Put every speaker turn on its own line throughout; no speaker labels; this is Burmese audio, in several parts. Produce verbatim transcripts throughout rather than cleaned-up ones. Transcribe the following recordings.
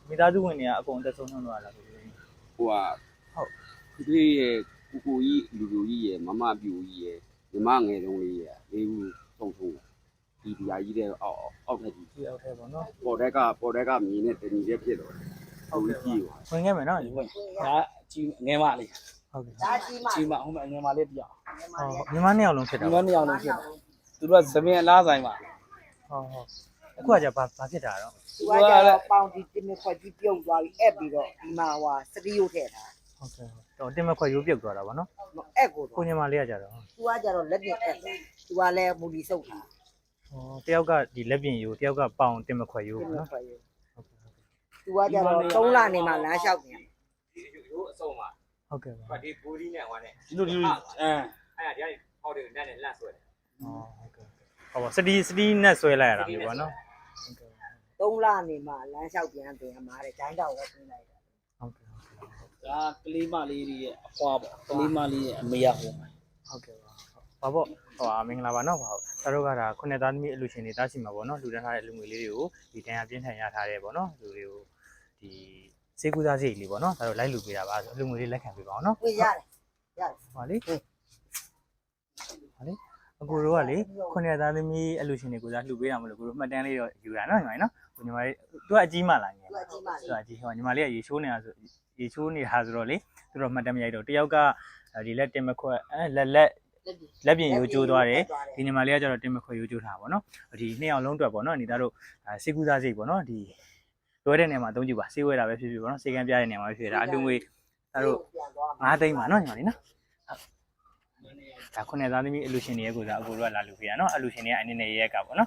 မိသားစုဝင်တွေကအကုန်အသက်ဆုံးနှုန်းတော့လာပြီ
ဟိုကဟုတ်ဒီရဲ့ကိုကိုကြီးလူလူကြီးရဲ့မမပြူကြီးရဲ့ညီမငယ်တုံးလေးရဲ့လေးဦးဆုံးဆုံးဒီဒီဟာကြီးတဲ့အောက်အောက်ထက်ကြီး
ဒီအောက်ထက်ပေါ့နော်
ပေါ်တက်ကပေါ်တက်ကမြင်းနဲ့တဏီတဲ့ဖြစ်တော့ဟုတ်ပြီကြီးပါ
ဝင်ခဲ့မယ်နော်
ဝင်ဒါကြီးငယ်မလေး
ဟုတ်ကဲ့
ဒါကြီးမကြီးမဟိုမှာငယ်မလေးတယောက်
ဟုတ်ညီမနှစ်ယောက်လုံးဖြစ်တာ
ညီမနှစ်ယောက်လုံးဖြစ်တာသူတို့ကသမင်အလားဆိုင်ပါ
ဟုတ်ဟုတ်အခုကじゃဘာဘာဖြစ်တာတော့
သူကကြတော့ပေါင်ဒီတင်မခွက်ကြီးပြုတ်သွားပြီးအဲ့ပြီးတော့ဒီမှာဟိုစတီယိုထည့်တာ
ဟုတ်ကဲ့တော့တင်မခွက်ရိုးပြုတ်သွားတာဗောနော်
အဲ့ကို
ကိုညီမလေးကကြတော့
သူကကြတော့လက်ပြင်အဲ့သူကလည်းမူလီစုပ်တာ
ဟောတယောက်ကဒီလက်ပြင်ရိုးတယောက်ကပေါင်တင်မခွက်ရိုးဗောနော်ဟုတ်ကဲ့
သူကကြတော့သုံးလနေမှလမ်းလျှောက်နေ
ရိုးအစုံပါ
ဟုတ်ကဲ့ပါ
ဒီဘူဒီနဲ့ဟိုနဲ့
ဒီလိုဒီလိုအဲ
အဲ့ဒါဒီဟောက်တယ်နဲ့နဲ့လက်ဆွဲတယ်
ဟောဟုတ်ကဲ့ဟောပါစတီစတီနဲ့ဆွဲလိုက်ရတာမျိုးဗောနော်ဟုတ်ကဲ့
သုံးလနေမှလမ်းလျှောက်ပြန်ပြန်မှာတဲ့ဂျိုင်းတောင်ကိုပြင်လိုက်တာ
ဟုတ်ကဲ့ဟုတ်ကဲ့
ဒါကလေးမလေးတွေရဲ့အဖွားပေါ့ကလေးမလေးရဲ့အမေရဟိုမှာ
ဟုတ်ကဲ့ပါဘာပေါ့ဟိုမင်္ဂလာပါနော်ဘာတို့တို့ကဒါခုနှစ်သားသမီးအလူရှင်တွေတားရှိမှာပေါ့နော်လူတန်းထားတဲ့လူငွေလေးတွေကိုဒီတန်ရပြင်းထန်ရထားတယ်ပေါ့နော်လူတွေကိုဒီစေကူသားစိတ်လေးပေါ့နော်ဒါတို့လိုက်လူပေးတာပါလူငွေလေးလက်ခံပေးပါအောင်နော်
ဝင်ရတယ်ရတယ်
ဟာလေဟာလေအကိုတို့ကလေခုနှစ်သားသမီးအလူရှင်တွေကိုစားလှူပေးတာမလို့ကိုတို့မှတ်တမ်းလေးတော့ယူတာနော်ညီမနော်ကိုညီမလေးသူကအကြီးမှလာငယ်
သူကအကြီးမှ
သူကအကြီးဟောညီမလေးကရေချိုးနေတာဆိုရေချိုးနေတာဆိုတော့လေသူတို့မှတ်တမ်းမရိုက်တော့တယောက်ကဒီလက်တင်မခွက်အဲလက်လက်လက်ပြင်ရိုးကျိုးသွားတယ်ဒီညီမလေးကကျတော့တင်မခွက်ရိုးကျိုးထားပါတော့ဒီနှစ်ယောက်လုံးအတွက်ပေါ့နော်ညီသားတို့စေကူသားစိတ်ပေါ့နော်ဒီလွဲတဲ့နေရာမှာအသုံးကြည့်ပါစေးဝဲတာပဲဖြစ်ဖြစ်ပေါ့နော်စေကန်းပြတဲ့နေရာမှာဖြစ်တာအလူငွေဒါတို့ငါးသိန်းပါနော်ညီမလေးနော်ဒါခုနှစ်သားသမီးအလူရှင်တွေရဲ့ကိုစားအကိုတို့ကလာလူပြရနော်အလူရှင်တွေကအနည်းနဲ့ရဲကပေါ့နော်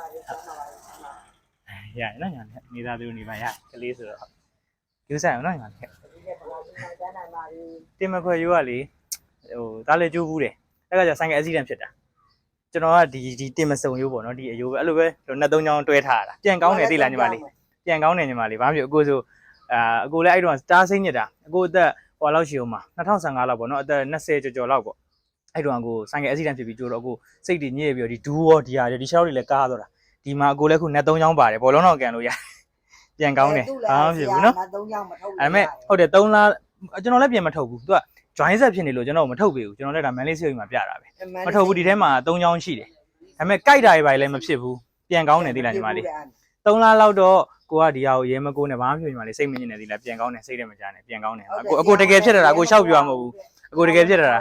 ရရနော်ညာနေသားသူနေပါရကလေးဆိုတော့ကျူးဆိုင်အောင်နော်ညာတင်မခွေရိုးကလေဟိုသားလေကျိုးဘူးတယ်အဲ့ကကျဆိုင်ကအက်ဆီဒန့်ဖြစ်တာကျွန်တော်ကဒီဒီတင်မစုံရိုးပေါ့နော်ဒီအယိုးပဲအဲ့လိုပဲနှစ်သုံးချောင်းတွဲထားတာပြန်ကောင်းတယ်သိလားညီမလေးပြန်ကောင်းတယ်ညီမလေးဘာဖြစ်အကိုဆိုအာအကိုလည်းအဲ့တော့စတားစိမ့်ညစ်တာအကိုအသက်ဟိုလောက်ရှိအောင်မှာနှစ်ထောင်ဆယ်ငါလောက်ပေါ့နော်အသက်နှစ်ဆယ်ကျော်ကျော်လောက်ပေါ့အဲ့တော့ကိုဆိုင်ကအက်ဆီဒန့်ဖြစ်ပြီးကြိုးတော့ကိုစိတ်တွေညစ်ပြီးတော့ဒီဒူးရောဒီဟာဒီရှောက်တွေလည်းကားသွားတာဒီမှာအကိုလည်းခုနှစ်သုံးချောင်းပါတယ်ဘောလုံးတော့ကန်လို့ရပြန်ကောင်းတယ်ဘာမှဖြစ်ဘူးနော်
နှစ်သုံးချောင်းမထုတ်ဘူး
အဲ့မဲ့ဟုတ်တယ်သုံးလားကျွန်တော်လည်းပြန်မထုတ်ဘူးသူက join set ဖြစ်နေလို့ကျွန်တော်မထုတ်ပေးဘူးကျွန်တော်လည်းဒါမန်လေးစီအိမ်မှာပြတာပဲမထုတ်ဘူးဒီထဲမှာသုံးချောင်းရှိတယ်ဒါပေမဲ့ကြိုက်တာတွေပါလည်းမဖြစ်ဘူးပြန်ကောင်းတယ်သိလားညီမလေးသုံးလားလောက်တော့ကိုကဒီဟာကိုရဲမကိုးနဲ့ဘာမှမဖြစ်ညီမလေးစိတ်မညစ်နေသိလားပြန်ကောင်းတယ်စိတ်လည်းမကြနဲ့ပြန်ကောင်းတယ်အကိုအကိုတကယ်ဖြစ်တာအကိုရှောက်ပြရမဟုတ်ဘူးအကိုတကယ်ဖြစ်တာ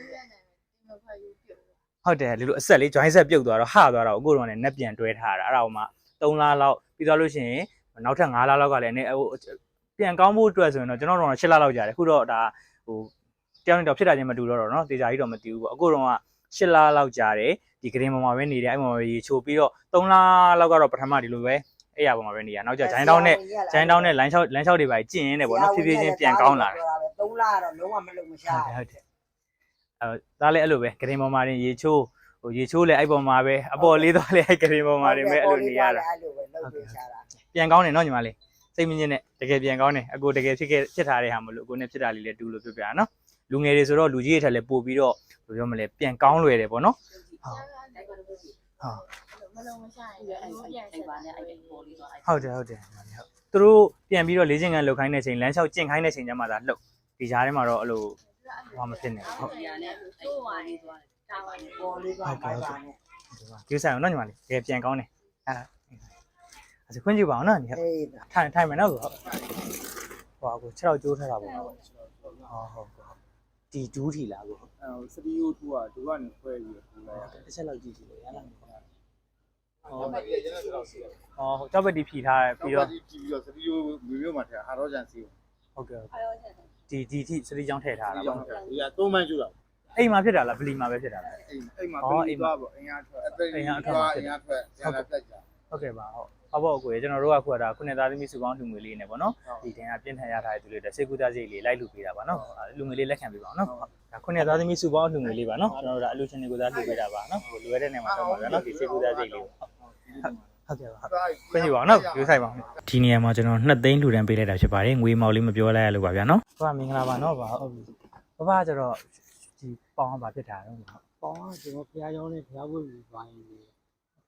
ဟုတ်တယ်ဒီလိုအဆက်လေး join set ပြုတ်သွားတော့ဟသွားတော့အကိုတော့လည်းနှက်ပြန်တွဲထားတာအဲ့ဒါဟိုမှာသုံးလားလောက်ပြီးသွားလို့ရှိရင်နောက်ထပ်ငါးလားလောက်ကလည်းဟိုပြန်ကောင်းဖို့အတွက်ဆိုရင်တော့ကျွန်တော်တို့ရှစ်လလောက်ကြာတယ်ခုတော့ဒါဟိုတယောက်နဲ့တော့ဖြစ်တာချင်းမတူတော့တော့เนาะတေချာကြီးတော့မတူဘူးပေါ့အခုတော့ကရှစ်လလောက်ကြာတယ်ဒီဂရင်းပေါ်မှာပဲနေတယ်အဲ့ပေါ်မှာပဲရေချိုးပြီးတော့သုံးလလောက်ကတော့ပထမဒီလိုပဲအဲ့ရပေါ်မှာပဲနေရနောက်ကျဂျိုင်းတောင်းနဲ့ဂျိုင်းတောင်းနဲ့လမ်းလျှောက်လမ်းလျှောက်တွေပါကျင့်ရင်းတယ်ပေါ့เนาะဖြည်းဖြည်းချင်းပြန်ကောင်းလာတယ်
သုံးလကတော့လုံးဝမလုံမရှာ
ဟုတ်တယ်အဲဒါလည်းအဲ့လိုပဲဂရင်းပေါ်မှာနေရေချိုးဟိုရေချိုးလဲအဲ့ပေါ်မှာပဲအပေါ်လေးသွားလဲအဲ့ဂရင်းပေါ်မှာနေပဲအဲ့လိုနေရတာ
အဲ့လိုပဲလုံပေးရှာတာ
ပြန်ကောင်းတယ်เนาะညီမလေးစိတ်မညစ်နဲ့တကယ်ပြန်ကောင်းတယ်အကိုတကယ်ဖြစ်ခဲ့ဖြစ်ထားတဲ့ဟာမလို့အကိုနဲ့ဖြစ်တာလေးလည်းတူလို့ပြောပြတာเนาะလူငယ်တွေဆိုတော့လူကြီးတွေထက်လည်းပို့ပြီးတော့ဘယ်လိုပြောမလဲပြန်ကောင်းလွယ်တယ်ပေါ့နော်ဟုတ်မလုံးမရှာရင်အဲ့အဲ့ပါနဲ့အဲ့ဒီပေါ်လေးသွားဟုတ်တယ်ဟုတ်တယ်သူတို့ပြန်ပြီးတော့လေးချင်းကန်လှုပ်ခိုင်းတဲ့ချိန်လမ်းလျှောက်ကျင့်ခိုင်းတဲ့ချိန်ကျမှသာလှုပ်ဒီကြားထဲမှာတော့အဲ့လိုဘာမဖြစ်နေဟုတ်ဟုတ်
ပေါ်လေးသွားပါပါနဲ့
ကျူးဆိုင်အောင်နော်ညီမလေးတကယ်ပြန်ကောင်းတယ်အဲ့ဒါခွင့်ပြုပါအောင်နော်ညီထိုင်ထိုင်မယ်နော်ဆိုဟုတ်ဟိုအကို6တော့ကျိုးထားတာပေါ့ဟုတ်ဟုတ်ဒီဒူးထီလာကို
အဲစတီယိုတူကဒူကနေခွဲပြီးပူလိုက်
ရတယ်တစ်ချက်လောက်ကြည့်ကြည့်လို့ရလားမဟုတ်ဟုတ်ပါပြီရတဲ့လောက်ရှိတယ်ဟောကြောက်ပက်တီဖြီထားပြီးတော့
ဖြီပြီးတော့စတီယိုမျိုးမျိုးမှာထည့်ဟာရောဂျန်စီ
ဟုတ်ကဲ့ဒီဒီထိစတီချောင်းထည့်ထားတာပေါ့
ဒီကသုံးမှန်းကျူတာ
အိမ်မှာဖြစ်တာလားဗလီမှာပဲဖြစ်တာလား
အိမ်အိမ်မှာအိမ်မှာပေါ့အိမ်ရထွက်အိမ်ရထွက်အိမ်ရထွက်ကျန်လာပြတ်ကြ
ဟုတ်ကဲ့ပါဟုတ်ဟုတ်ပါကိုကျွန်တော်တို့ကခုကဒါခုနှစ်သားသမီးစုပေါင်းလူငွေလေးနဲ့ပေါ့နော်ဒီတင်ကပြင်းထန်ရထားတဲ့သူတွေတက်စေကူသားစိတ်လေးလိုက်လူပေးတာပါနော်လူငွေလေးလက်ခံပေးပါအောင်နော်ဒါခုနှစ်သားသမီးစုပေါင်းလူငွေလေးပါနော်ကျွန်တော်တို့ကအလူချင်းတွေကိုသားလူပေးတာပါနော်ဟိုလွယ်တဲ့နေရာမှာတော့ပါနော်ဒီစေကူသားစိတ်လေးဟုတ်ဟုတ်ကဲ့ပါခွင့်ပြုပါအောင်နော်ယူဆိုင်ပါဒီနေရာမှာကျွန်တော်နှစ်သိန်းလူတန်းပေးလိုက်တာဖြစ်ပါတယ်ငွေမောက်လေးမပြောလိုက်ရလို့ပါဗျာနော်ဟုတ်မင်္ဂလာပါနော်ပါဟုတ်ပြီဘဘကျတော့ဒီပေါင်းပါဖြစ်တာတော့
ပေါင်းကကျွန်တော်ဖျားကြောင်းနဲ့ဖျားဝတ်ပြီးသွားရင်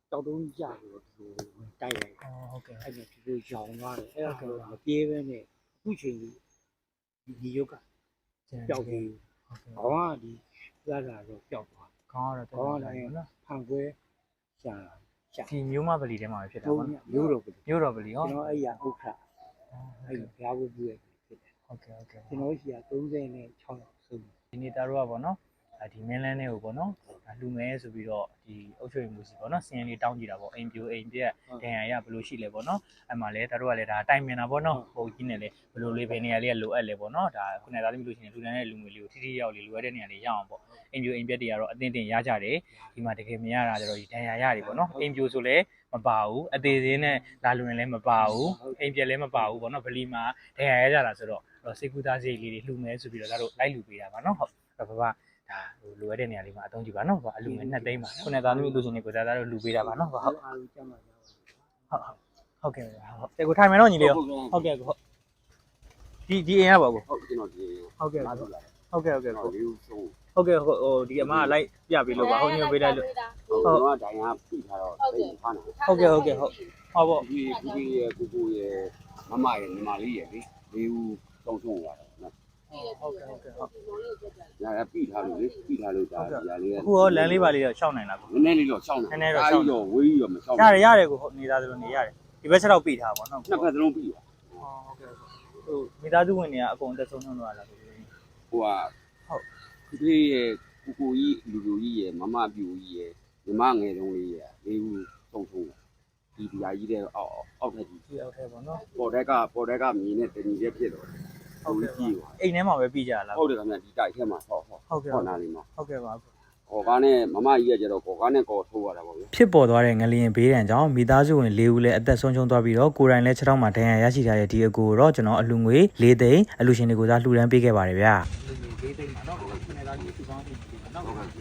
တောက်တုံးကြပြီးတော့ဒီလိုတိုက်လိုက်
အော်ဟုတ်ကဲ့
အဲ့ဒါဒီလိုရောင်သွားတယ်အဲ့ဒါဆိုမပြေးပဲနဲ့အခုချိန်ကြီးဒီဒီရုပ်ကပျောက်ပြီး
ဟုတ်ကဲ့
ခေါင်းကဒီလာလာတော့ပျောက်သွား
ခေါင်းကတော့
ခေါင်းက
တယ်
လည်း
နော်
ဖန်ခွဲရှာရှာ
ဒီမျိုးမပလီထဲမှာပဲဖြစ်တာ
တော့
ပေါ့နော်
မျိုးတော့ပြီ
မျိုးတော်ပလီဟော
ကျွန်တော်အဲ့ရဥက္ခအဲ့ဘုရားဘုရားဖြစ်တယ်
ဟုတ်ကဲ့ဟုတ်ကဲ့
ကျွန်တော်ရှိရ36ရောက်ဆုံး
ဒီနေ့တာတို့ကပေါ့နော်ဒီမင်းလန်းလေးကိုပေါ့နော်လူမဲဆိုပြီးတော့ဒီအုတ်ချွေမှုစီပေါ့နော်စင်းလေးတောင်းကြည့်တာပေါ့အိမ်ပြိုအိမ်ပြက်ဒဏ်ရာရဘယ်လိုရှိလဲပေါ့နော်အဲ့မှာလဲတာတို့ကလည်းဒါတိုင်ပင်တာပေါ့နော်ဟိုကြီးနဲ့လေဘယ်လိုလေးဘယ်နေရာလေးကလိုအပ်လဲပေါ့နော်ဒါခုနကသားသမီးလို့ရှိရင်လူတန်းတဲ့လူငွေလေးကိုထိထိရောက်လေးလိုအပ်တဲ့နေရာလေးရအောင်ပေါ့အိမ်ပြိုအိမ်ပြက်တွေကတော့အတင်းတင်ရကြတယ်ဒီမှာတကယ်မရတာကြတော့ဒီဒဏ်ရာရတယ်ပေါ့နော်အိမ်ပြိုဆိုလဲမပါဘူးအသေးသေးနဲ့လာလွင်လည်းမပါဘူးအိမ်ပြက်လည်းမပါဘူးပေါ့နော်ဗလီမှာဒဏ်ရာရကြတာဆိုတော့စေကူသားစိတ်လေးတွေလှူမဲဆိုပြီးတော့ဒါတို့လိုက်လှူပေးတာပါနော်ဟုတ်ဘာဘာဒါဟိုလိုရတဲ့နေရာလေးမှာအသုံးကြည့်ပါနော်။အလူငယ်နှစ်သိန်းပါ။ခုနကသားသမီးလူချင်းတွေကိုသားသားတို့လူပေးတာပါနော်။ဟုတ်ဟုတ်
အားလုံးကြမ်းပါကြပါ
ဟုတ်ကဲ့ဟုတ်။တဲ့ကိုထိုင်မယ်နော်ညီလေးရော။ဟုတ်ကဲ့ကိုဟုတ်။ဒီဒီအိမ်ရပါကို
ဟုတ်ကျွန်တော်ဒီ
ဟုတ်ကဲ့
လာ
ဟုတ်
တော့လာ
ဟုတ်ကဲ့ဟုတ်ကဲ့
ကျွန်
ကို
တော်လေးဆုံး
ဟုတ်ကဲ့ဟိုဒီအမကလိုက်ပြပေးလို့ပါဟုတ်ညိုပေးလိုက်လို့
ဟုတ်ကျွန်တော်ကဒိုင်ကပြထားတော့အဲ့ဒီဖားနေ
ဟုတ်ကဲ့ဟုတ်ကဲ့ဟုတ်ဟုတ်ပေါ့
ဒီဒီရဲ့ကိုကိုရဲ့မမရဲ့ညီမလေးရဲ့လေလေးဦးဆုံးဆုံးသွားတယ်နော်
ဟုတ်ကဲ့ဟုတ်ကဲ့ဟုတ်
ညာပြထားလို့လေပြထားလို့ဒါဒီဟာလေး
အခုရောလမ်းလေးပါလေးတော့ရှောင်းနိုင်လားကို
နည်းနည်းလေးတော့ရှောင်းတယ်တော့ဝေးရောမရှောင်း
ရတယ်ရတယ်ကိုဟုတ်နေသားသလိုနေရတယ်ဒီဘက်ချက်တော့ပြီးထားပါနော်
နှစ်ဖက်စလုံးပြီးပါ
ဟုတ်ကဲ့ဟိုမိသားစုဝင်တွေကအကုန်အသက်ဆုံးဆုံးသွားတာကို
ဟိုကဟုတ်ဒီရဲ့ကိုကိုကြီးလူလူကြီးရဲ့မမပြူကြီးရဲ့ညီမငယ်တုံးလေးရဲ့လေးဦးဆုံးဆုံးဒီဒီဟာကြီးတဲ့အောက်အောက်ထက်ကြီး
ဒီအောက်ထဲပေါ့နော်
ပေါ်တက်ကပေါ်တက်ကမြင်းနဲ့တညီတဲ့ဖြစ်တော့တယ်ဟုတ်ကဲ့ကြီးပါ
အိမ်ထဲမှာပဲပြီးကြလား
ဟုတ်တယ်ခင်ဗျဒီတိုက်ထဲမှာဟောဟော
ဟုတ်ကဲ့
ဟောနာလေးမှာ
ဟုတ်ကဲ့ပါ
ခေါ်ကားနဲ့မမကြီးကကျတော့ခေါ်ကားနဲ့ကော်ထိုးရတာပေါ့ဗျာ
ဖြစ်ပေါ်သွားတဲ့ငလျင်ဘေးဒဏ်ကြောင့်မိသားစုဝင်၄ဦးလည်းအသက်ဆုံးရှုံးသွားပြီးတော့ကိုယ်တိုင်လည်းခြေထောက်မှာဒဏ်ရာရရှိထားတဲ့ဒီအကိုတော့ကျွန်တော်အလူငွေ၄သိန်းအလူရှင်တွေကိုသာလှူဒန်းပေးခဲ့ပါတယ်ဗျာ၄သိန်းပါနော်ခုနကဒီစုပေါင်းပြီးနော်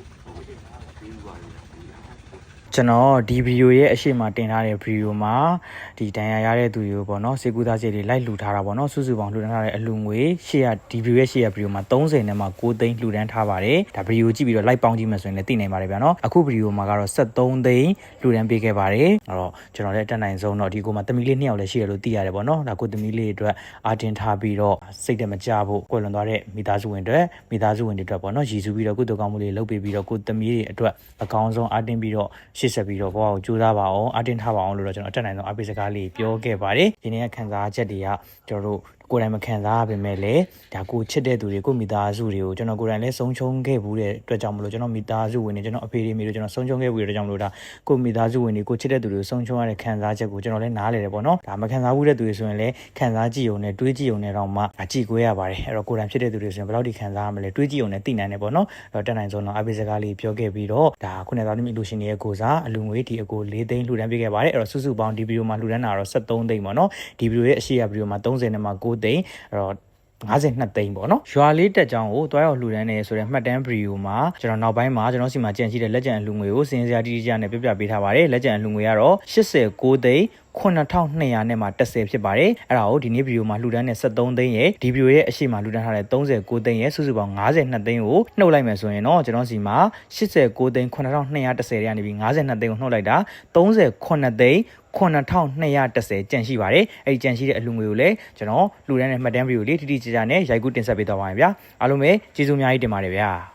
ကျွန်တော်ဒီဗီဒီယိုရဲ့အရှိမတင်ထားတဲ့ဗီဒီယိုမှာဒီဒဏ်ရာရတဲ့သူတွေကိုပေါ့နော်စေကူသားစိတ်တွေလိုက်လှူထားတာပေါ့နော်စုစုပေါင်းလှူဒန်းထားတဲ့အလူငွေရှေ့ရဒီဗီဒီယိုရဲ့ရှေ့ရဗီဒီယိုမှာ30နဲ့မှ9သိန်းလှူဒန်းထားပါတယ်ဒါဗီဒီယိုကြည့်ပြီးတော့လိုက်ပေါင်းကြည့်မှဆိုရင်လည်းသိနိုင်ပါတယ်ဗျာနော်အခုဗီဒီယိုမှာကတော့73သိန်းလှူဒန်းပေးခဲ့ပါတယ်အဲ့တော့ကျွန်တော်လည်းတက်နိုင်ဆုံးတော့ဒီကိုမှာသမီးလေးနှစ်ယောက်လည်းရှိရလို့သိရတယ်ပေါ့နော်ဒါကိုသမီးလေးအတွက်အာတင်ထားပြီးတော့စိတ်တမကြဖို့ကွယ်လွန်သွားတဲ့မိသားစုဝင်တွေမိသားစုဝင်တွေအတွက်ပေါ့နော်ရည်စူးပြီးတော့ကုသိုလ်ကောင်းမှုလေးလုပ်ပေးပြီးတော့ကိုသမီးတွေအတွက်အကောင်းဆုံးအာတင်ပြီးတော့ရှေ့ဆက်ပြီးတော့ဘဝကိုကြိုးစားပါအောင်အာတင်ထားပါအောင်လို့တော့ကျွန်တော်အတက်နိုင်ဆုံးအပိစကားလေးပြောခဲ့ပါတယ်ဒီနေ့ကခံစားချက်တွေကကျွန်တော်တို့ကိုယ်တိုင်မခံစားရပါပဲလေဒါကိုချစ်တဲ့သူတွေကိုမိသားစုတွေကိုကျွန်တော်ကိုယ်တိုင်လည်းဆုံးရှုံးခဲ့ဘူးတဲ့အတွက်ကြောင့်မလို့ကျွန်တော်မိသားစုဝင်တွေကျွန်တော်အဖေတွေမိတို့ကျွန်တော်ဆုံးရှုံးခဲ့ဘူးတဲ့အတွက်ကြောင့်မလို့ဒါကိုမိသားစုဝင်တွေကိုချစ်တဲ့သူတွေကိုဆုံးရှုံးရတဲ့ခံစားချက်ကိုကျွန်တော်လည်းနားလည်တယ်ပေါ့နော်ဒါမခံစားဘူးတဲ့သူတွေဆိုရင်လည်းခံစားကြည့်ုံနဲ့တွေးကြည့်ုံနဲ့တော့မှအကြည့်ကိုရပါတယ်အဲ့တော့ကိုယ်တိုင်ဖြစ်တဲ့သူတွေဆိုရင်ဘယ်လောက်ထိခံစားရမလဲတွေးကြည့်ုံနဲ့သိနိုင်တယ်ပေါ့နော်အဲ့တော့တက်နိုင်ဆုံးတော့အပိစကားလေးပြောခဲ့ပြီးတော့ဒါခုနကသားသမီးလူရှင်တွေရဲ့ကိုစားအလူငွေဒီအကို၄သိန်းလှူဒန်းပေးခဲ့ပါတယ်အဲ့တော့စုစုပေါင်းဒီဗီဒီယိုမှာလှူဒန်းတာတော့73သိန်းပေါ့နော်ဒီဗီဒီယိုရဲ့အရှိရဗီဒီယိုမှာ30နဲ့မှ9သိန်းအဲ့တော့52သိန်းပေါ့နော်ရွာလေးတက်ကြောင်းကိုတွားရောက်လှူဒန်းနေဆိုတဲ့မှတ်တမ်းဗီဒီယိုမှာကျွန်တော်နောက်ပိုင်းမှာကျွန်တော်စီမှာကြံရှိတဲ့လက်ကျန်အလှူငွေကိုစင်စရာတိတိကျကျနဲ့ပြပြပေးထားပါတယ်လက်ကျန်အလှူငွေကတော့89သိန်း9200နဲ့မှ10ဖြစ်ပါတယ်အဲ့ဒါကိုဒီနေ့ဗီဒီယိုမှာလှူဒန်းတဲ့73သိန်းရဲ့ဒီဗီဒီယိုရဲ့အရှိမလှူဒန်းထားတဲ့39သိန်းရဲ့စုစုပေါင်း52သိန်းကိုနှုတ်လိုက်မယ်ဆိုရင်တော့ကျွန်တော်စီမှာ89သိန်း9210တွေကနေပြီး52သိန်းကိုနှုတ်လိုက်တာ39သိန်း9210ကျန်ရှိပါတယ်အဲ့ဒီကျန်ရှိတဲ့အလှူငွေကိုလည်းကျွန်တော်လှူဒန်းတဲ့မှတ်တမ်းဗီဒီယိုလေးတိတိကျကျနဲ့ရိုက်ကူးတင်ဆက်ပေးသွားပါမယ်ဗျာအားလုံးပဲကျေးဇူးအများကြီးတင်ပါတယ်ဗျာ